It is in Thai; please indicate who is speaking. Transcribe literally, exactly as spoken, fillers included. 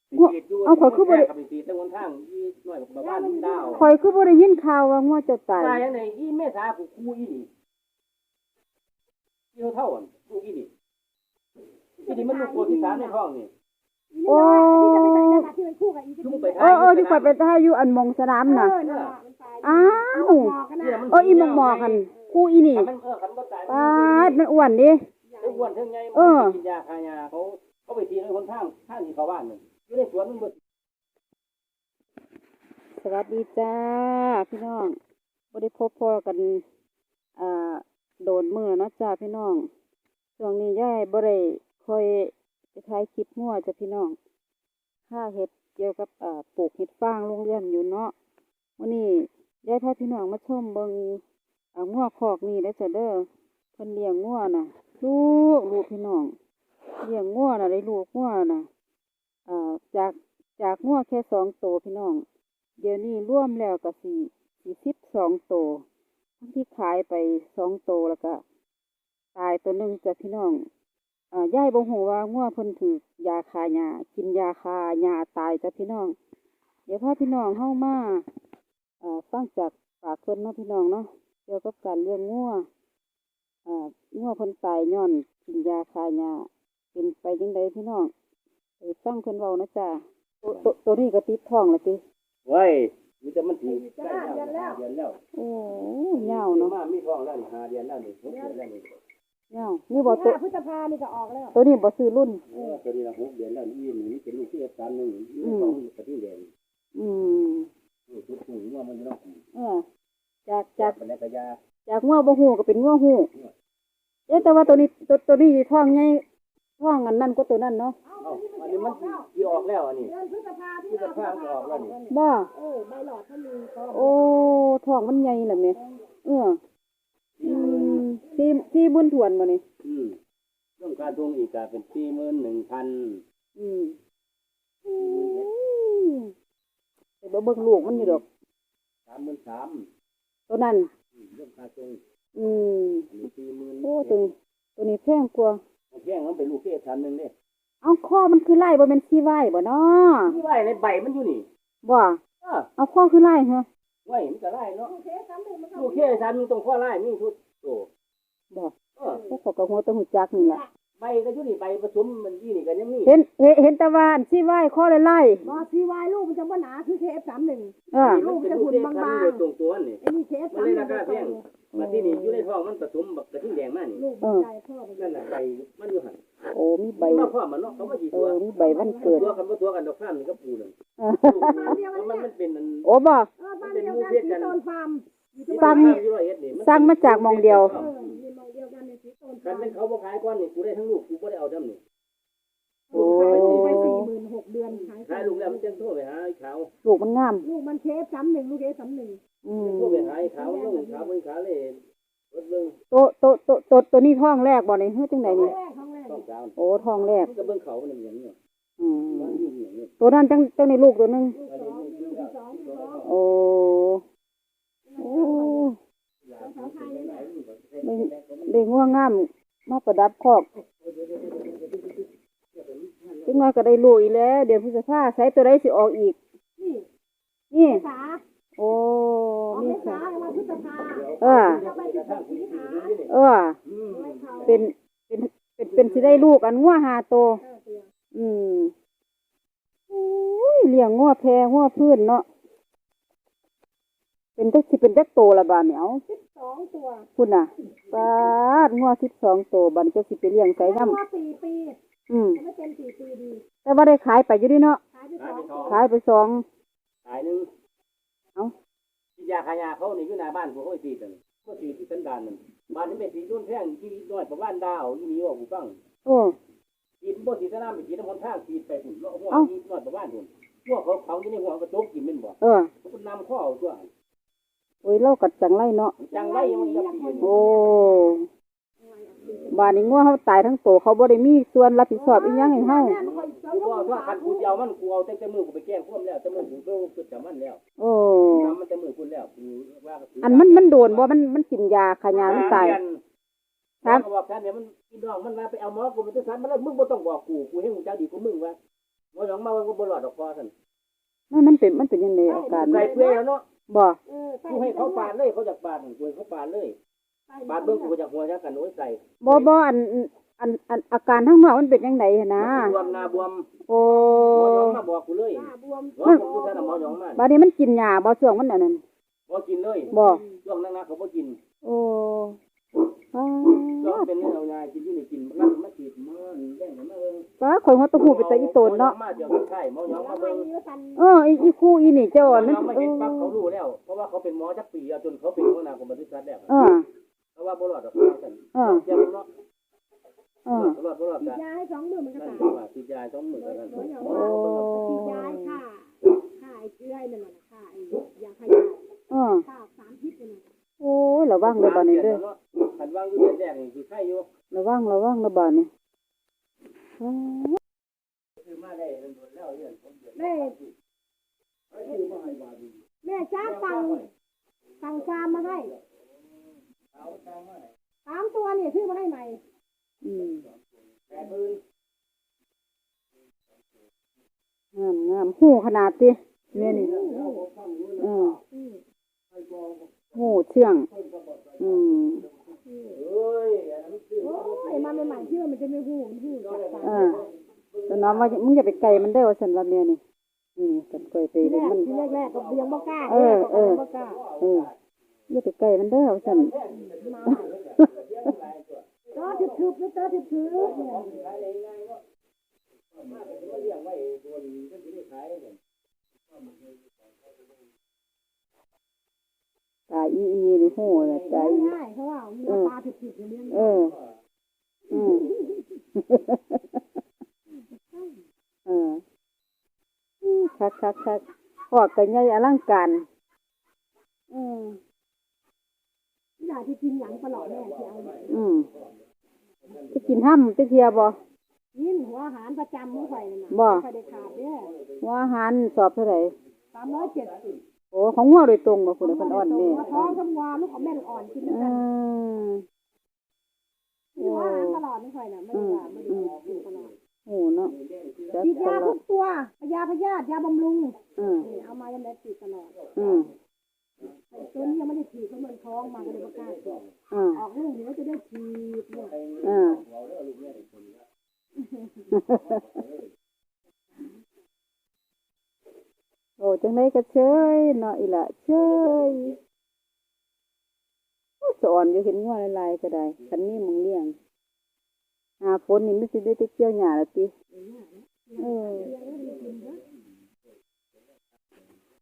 Speaker 1: เอาข่อยคือบ่ได้
Speaker 2: ไปตีตั้งวันทางอีน้อยบ้านดาว
Speaker 1: ข่อยคือบ่ได้ยินข่าวว่างัวเจะตาย
Speaker 2: ตายยังไงอีเมษากูกูอีนี่อีเท่าอันกูอีนี่อีนี่มันลูกโคที่สามในท้องนี่
Speaker 1: โอ้
Speaker 2: จุ่มไป
Speaker 1: เออเออที่ข่อยไปท่าอยู่อันมองสนามน่ะอ้าวเอออีหมองหมอกันกูอีนี่
Speaker 2: มันเออคันบ่ตาย
Speaker 1: ปาดมันอ้วนดิ
Speaker 2: ไอ้อ้วนเท่าไงมันกินยาคายาเขาเขาไปตีในคนทางทางที่เขาบ้านนึงอยู่ในสวนมันบ่
Speaker 1: สวัสดีจ้าพี่น้องบ่ได้พบพ่อกันอ่าโดนมื้อเนาะจ้าพี่น้องช่วงนี้ยายบ่ได้ค่อยไปถ่ายคลิปงัวจ้ะพี่น้องค่าเฮ็ดเกี่ยวกับอ่าปลูกเห็ดฟางโรงเรียนอยู่เนาะวันนี้ยายพาพี่น้องมาชมเบิ่งอ่างัวคอกนี่เด้อจ้ะเด้อเพิ่นเลี้ยงงัวน่ะลูกลูกพี่น้องเลี้ยงงัวน่ะได้ลูกงัวน่ะอ่าจากจากงัวแค่สองตัวพี่น้องเดี๋ยวนี้รวมแล้วก็สี่สี่สิบสองตัวทั้งที่ขายไปสองตัวแล้วก็ตายตัวหนึ่งจ้ะพี่น้องอ่ายายบ่ฮู้ว่างัวเพิ่นถูกยาคาหญ้ากินยาคาหญ้าตายจ้ะพี่น้องเดี๋ยวพาพี่น้องเฮามาอ่าฟังจากปากเพิ่นเนาะพี่น้องเนาะเกี่ยวกับการเลี้ยงงัวอ่างัวเพิ่นตายย้อนกินยาคาหญ้าเป็นไปจังไดพี่น้องไปฟังเพิ่นเว้านะจ้ะตัวตัวตัวนี้ก็ติดท้องแล้วติ
Speaker 2: ไว้มีแต่มันถีใกล้แล้วเดือนแล้ว
Speaker 1: โอ้ยาวเนาะ
Speaker 2: มามีท้องแล้วนี่ห้าเดือนแล้วนี่หกเดือนแล้วนี่
Speaker 1: ยาวนี่บ่ตัว
Speaker 3: พฤษภานี่ก็ออกแล้ว
Speaker 1: ตัวนี้บ่ซื้อรุ่น
Speaker 2: เออตัวนี้ละหกเดือนแล้วนี่นี่เป็นลูกที่สามนึงนี่ท้องกระทิ่งแดง
Speaker 1: อืม
Speaker 2: ลูกทุกหูว่ามันต้อง
Speaker 1: เออจากจาก
Speaker 2: เป็นแล้วก็ยา
Speaker 1: จากงัวบ่ฮู้ก็เป็นงัวฮู้เอ๊ะแต่ว่าตัวนี้ตัวตัวนี้ท้องใหญ่ท้องอันนั้นก็ตัวนั้นเนาะ
Speaker 2: เอ้าอันนี้มันสิออกแล้วอันนี้
Speaker 3: เดือนพฤษภา
Speaker 2: พฤษภาก็ออกแล้วนี่
Speaker 1: บ่
Speaker 3: เออใบหลอดถ้ามีก็
Speaker 1: โอ้ท้องมันใหญ่ล่ะแม่เอออืมสี่สี่บุญถ้วนบ่นี่
Speaker 2: อืมเรื่องการทวงอีกก็เป็นสี่หมื่นหนึ่งพัน
Speaker 1: อืมอืมแต่บ่เบิ่งลูกมันอยู่ดอก
Speaker 2: สามหมื่นสาม
Speaker 1: ตัวนั้น
Speaker 2: เรื่องการทวง
Speaker 1: อืม
Speaker 2: อันนี้สี่หมื่น
Speaker 1: โอ้ตัวนี้ตัวนี้แพงกว่า
Speaker 2: แพงมันเป็นลูกที่สามนึงเด้
Speaker 1: เอาข้อมันคือไล่บ่แม่นขี้ไว้บ่เนาะ
Speaker 2: ที่ไว้ในใบมันอยู่นี่
Speaker 1: บ่
Speaker 2: เออ
Speaker 1: เอาข้อคือไล่เหรอ
Speaker 2: ไว้มันก็ไล่เนาะ
Speaker 3: เคสซ้ำหนึ่งมันก็
Speaker 2: ลูกที่สามนึงต้องข้อไล่มีทุกโต
Speaker 1: บ่
Speaker 2: เออ
Speaker 1: พวกเขาก็หัวแตะหูจักนี่แหละ
Speaker 2: ใบก็อยู่นี่ใบผสมมันยี่นี่ก็ยังมี
Speaker 1: เห็นเห็นเห็นแตะวาอันขี้ไว้ข้อไล่
Speaker 3: บอซีวายลูกมันจะว่าหนาคือเคสสามหนึ่ง
Speaker 1: ๆเออ
Speaker 2: มันเป็นลูกที่สามนึงตรงตัวนี่
Speaker 3: ไอ้นี่เคส
Speaker 2: มัน
Speaker 3: สาม
Speaker 2: เล
Speaker 3: ห
Speaker 2: ย
Speaker 3: นึ่
Speaker 2: ราง คาแพงมาที่นี่อยู่ในท้องมันผสมบักกระทิ่งแดงมานี่
Speaker 3: ลูกใจพ่อ
Speaker 2: นั่นน่ะใบมันอยู่หั่น
Speaker 1: โอ้มีใบ
Speaker 2: มาพร้อมมันเนาะเขามาสิ
Speaker 1: เอ
Speaker 2: ตัว
Speaker 1: อมีใบวันเกิด
Speaker 2: ตัวกันบ่ตัวกันดอกฟ้านี่ก็ปูนั่น
Speaker 1: เออ
Speaker 2: มันมันเป็นอัน
Speaker 1: โอ้บ่
Speaker 3: เออบ้านเดียวกันสีโตนฟาร์ม
Speaker 1: สั่งสั่งมาจากหมองเดียว
Speaker 3: เออมีมองเดียวกันในสีโตน
Speaker 2: คั
Speaker 3: ฟาน ร์ม
Speaker 2: เป็นเขาบ่ขายก่อนนี่กูได้ทั้งลูกกูบ่ได้เอาดำนี่
Speaker 1: โอ้
Speaker 3: ไปสี่หมื่นหกเดือนขาย
Speaker 2: ขายลูกแล้วมันจังโทรไปหาไอ้ขาว
Speaker 1: ลูกมันงาม
Speaker 3: ลูกมันเคสสามหนึ่งลูกเคสสามหนึ่ง
Speaker 1: อืม
Speaker 2: โทรไปหาไอ้ขาวลงขาวเบิ่งขาวเลยรถเบิ่ง
Speaker 1: โตโตโตโตตัวนี้ท้องแรกบ่นี่เฮ็ดจังไดนี่
Speaker 3: แรกครั้งแรก
Speaker 2: ต้องขาว
Speaker 1: โอ้ท้องแรก
Speaker 2: มันก็เบิ่งเขามันอย่างนี้
Speaker 1: อืม
Speaker 2: มันอยู่อย่างนี้
Speaker 1: ตัวนั้นจังจังในลูกตัวหนึง
Speaker 2: อันนี้ลูกลูกสอง
Speaker 1: โอ้โอ้ได้ได้งัวงามมาประดับคอกจังน้อยก็ได้ลูกอีกแล้วเดี๋ยวพฤษภาใช้ตัวใดสิออกอีก
Speaker 3: นี่
Speaker 1: นี่
Speaker 3: สา
Speaker 1: โอ้
Speaker 3: ออก
Speaker 1: นี่
Speaker 3: เมษา
Speaker 1: ค่ะ
Speaker 3: มาพฤษภา
Speaker 1: เออ
Speaker 3: จะไปสิบหกสิงหา
Speaker 1: เออ เป็นเป็นเป็นเป็นสิได้ลูกอันงัวหาโตวอืมอุ้ยเลี้ยงงัวแพงัวพื้นเนาะเป็นจักสิเป็นจักโตละบาดเนี่ยเอา
Speaker 3: สิบสองตัว
Speaker 1: คุณน่ะปาดงัวสิบสองโตวบัดนี้เจ้าสิไปเลี้ยงไส
Speaker 3: แล้ว
Speaker 1: นำ
Speaker 3: ว่าสี่ปี
Speaker 1: อืม
Speaker 3: ไม่เป็นสี่ปีดี
Speaker 1: แต่ว่าได้ขายไปอยู่ดิเนาะ
Speaker 3: ขายไปสองตัว
Speaker 1: ขายไปสอง
Speaker 2: ขายนึง
Speaker 1: เอ้า
Speaker 2: ที่ยาขายาเขานี่อยู่หน้าบ้านกูเขาสิตันก็สิที่สันดานนั่นบ้านนี้เป็นสีรุ่นแพงที่น้อยประมาณดาวอีนี้ว่ากูฟัง
Speaker 1: โอ้
Speaker 2: กินบ่สีสนามไปกินน้ำมันทางกินไปพุ่นแล้วหัวกินน้อยประมาณพุ่นหัวเขาเขาอยู่ในหัวกระจกกินแม่นบ่
Speaker 1: เออ
Speaker 2: มันนำข้อเอาตัว
Speaker 1: โอ้ยเรากัดจังไรเนาะ
Speaker 2: จังไรมันก็ปีน
Speaker 1: โอ้บาดนี้งัวเฮาตายทั้งโตวเขาบ่ได้มีส่วนรับผิดชอบอีหยังให้เฮา
Speaker 2: กูว่าว่าคันกูเอามันกูเอาแต่มือกูไปแกล้งพวกแล้วแต่มือกูก็คือจำมันแล้ว
Speaker 1: โอ้
Speaker 2: จำมันแต่มือคุณแล้วกูว่า
Speaker 1: อันมันมันโดนบ่มันมันกินยาขายามันตาย
Speaker 2: ครับบอกท่านเนี่ยมันพี่น้องมันมาไปเอาหมอกูมันจะสันมันแล้วมึงบ่ต้องบอกกูกูให้มึงเจ้าดีกูมึงว่าหมอหยองมาก็บ่รอดดอกพอซั่น
Speaker 1: มันมันเป็นมันเป็นยังไงอาการ
Speaker 2: ไก่
Speaker 1: มัน
Speaker 2: เปื่อยแล้วเนาะ
Speaker 1: บ่
Speaker 3: เออใส่
Speaker 2: กูให้เขาปาดเลยเขาอยากปาดกูให้เขาปาดเลยปาดเบิ่งกูก็อยากหัวจักกันโอ้ยไก่
Speaker 1: บ่บ่อันอันอันอาการข้างนอกมันเป็นจังไดหั่นนะ
Speaker 2: บวมหน้าบวม
Speaker 1: โอ้
Speaker 2: หมอหยองมาบอกกูเลย
Speaker 3: หน้าบวม
Speaker 2: ว่าผมกูท่านหมอหยองมา
Speaker 1: บัดนี้มันกินยาบ่ช่วงมันอันนั้น
Speaker 2: บ่กินเลย
Speaker 1: บ่
Speaker 2: ช่วงนั้นๆเขาบ่กิน
Speaker 1: โอ้ป้า
Speaker 2: ช่วงเป็นเนื้อเอาง่ายกินอยู่นี่กินมันมาฉีดมันแดงมาเบิ่ง
Speaker 1: ป้าข่อยหัวตะหูไปแต่อีโตนเนาะ
Speaker 2: มาเดี๋ยวใช่หมอหยองมา
Speaker 3: ไม่
Speaker 2: เบิ่ง
Speaker 3: มีว่าสัน
Speaker 1: เอออีอีคู่อีนี่เจ้าอัน
Speaker 2: หมอ
Speaker 1: นั้น
Speaker 2: หยองมา
Speaker 1: เอ
Speaker 2: เห็น
Speaker 1: อ
Speaker 2: ปั๊บเขารู้แล้วเพราะว่าเขาเป็นหมอจักปีจนเขาเป็นหัวหน้ากรมปศุสัตว์แล้ว
Speaker 1: เออ
Speaker 2: เพราะว่าบ่รอดดอกซั่น
Speaker 1: เออ
Speaker 2: เจ็บเนาะ
Speaker 1: เออ
Speaker 2: บ่รอดบ่รอด
Speaker 3: ฉีด
Speaker 2: จ้ะ
Speaker 3: ยาให้สองมือมันก็
Speaker 2: นั่น
Speaker 3: ตาย
Speaker 2: ว่าฉีดยา2มื้อกัน
Speaker 3: หมอหยอง
Speaker 1: โอ้
Speaker 3: ว่าฉีดยาให้ฆ่าฆ่าไอ้เชื้อไอ้นั่นน่ะฆ่าไอ้ยาฆ่ายา
Speaker 1: เออ
Speaker 3: ฆ่าสารพิษนั่นน่ะ
Speaker 1: โอ้ยระวังเลยบัดนี้เด้อ
Speaker 2: คันวางอยู่เดือนแรกนี่สิไข้อยู่
Speaker 1: ระวังระวังระบาดนี่อ้า
Speaker 2: คือมาได้โดนแล้วเดือนผมเดือน
Speaker 3: แม่แม่จ้าสั่งสั่งฟาร์มมาให้สามตัวนี่ซื้อมาให้ใหม่
Speaker 1: อืม
Speaker 2: แปดหมื่น
Speaker 1: งามงามหูขนาดติแม่นี่เออ
Speaker 3: อืม
Speaker 1: หูเชื่อง อืม
Speaker 2: เอ้ยอันนั้นซื้อ
Speaker 3: โอ้ยมาใหม่ๆที่ว่ามันจะไม่หูมันหูจากฟาร์ม
Speaker 1: เออแต่น้องว่ามึงอย่าไปไกลมันเด้อว่าซั่นว่าแม่นี่อืมกันค่อยไป
Speaker 3: ทีแร
Speaker 1: เห็น
Speaker 3: ก
Speaker 1: มัน
Speaker 3: ทีแรกๆก็ยังบ่กล้า
Speaker 1: เออเออ
Speaker 3: บ่กล้า
Speaker 1: เอออย่าไปไกลมันเด้อว่าซั่น
Speaker 3: มาก็ทึบๆแล้วก็ทึบๆเนี่ย
Speaker 2: ขายได้ง่ายเนาะมาแต่มาเลี้ยงไว้ตัวนี้ก็สิได้ขายกัน
Speaker 1: ตาอีอีนี่หูน่ะตาอี
Speaker 3: ง่ายเพราะว่ามีปลาทึบๆอย่างนี้
Speaker 1: เอออืมเอออืมคักคักคักพอกกันใหญ่อลังการเออ
Speaker 3: อยากจะกินหยังตลอดแม่ที่เอา
Speaker 1: อืมจะกินห้ำจะเทียบ่
Speaker 3: ยินหัวอาหารประจำของข่อยนั่นน่ะ
Speaker 1: บ่
Speaker 3: ข่อยได้ขาดเด้อ
Speaker 1: ว่าอาหารสอบเท่าไหร่
Speaker 3: สามร้อยเจ็ดสิบ
Speaker 1: โอ้ของงัวโดยตรงบ่คุณเพิ่นอ่อนแม่
Speaker 3: หัวท้องกับวัวลูกของแม่ลูกอ่อนกินด้วย
Speaker 1: อื
Speaker 3: กัน
Speaker 1: ม
Speaker 3: มีหัวอาหารตลอดไม่ข่อยน่ะไม่ได้ว่าไม่ได้กินตลอด
Speaker 1: โอ้เนาะจัด
Speaker 3: ฉีด
Speaker 1: ต
Speaker 3: ยา
Speaker 1: ลอ
Speaker 3: ทุ
Speaker 1: ด
Speaker 3: กตัวยาพยาธิยาบำรุง
Speaker 1: อืม
Speaker 3: นี่เอามายังได้ฉีดตลอด
Speaker 1: อืม
Speaker 3: ไอ้ตัวนี้ยังไม่ได้ฉีดเพราะมันท้องมาก็เลยบ่กล้าฉีด
Speaker 1: อืม
Speaker 3: ออกลูกเดี๋ยวจะได้ฉีดเนี่ย
Speaker 1: อืมโอ้จังไดก็เชยเนาะอีหละเชยโอ้สอนอยู่เห็นงัวหลายๆก็ได้คันนี้มึงเลี้ยงหาฝนนี่มันสิได้ไปเกี่ยวหญ้าแล้วติเออ
Speaker 3: เลี้ยงให้มันกิน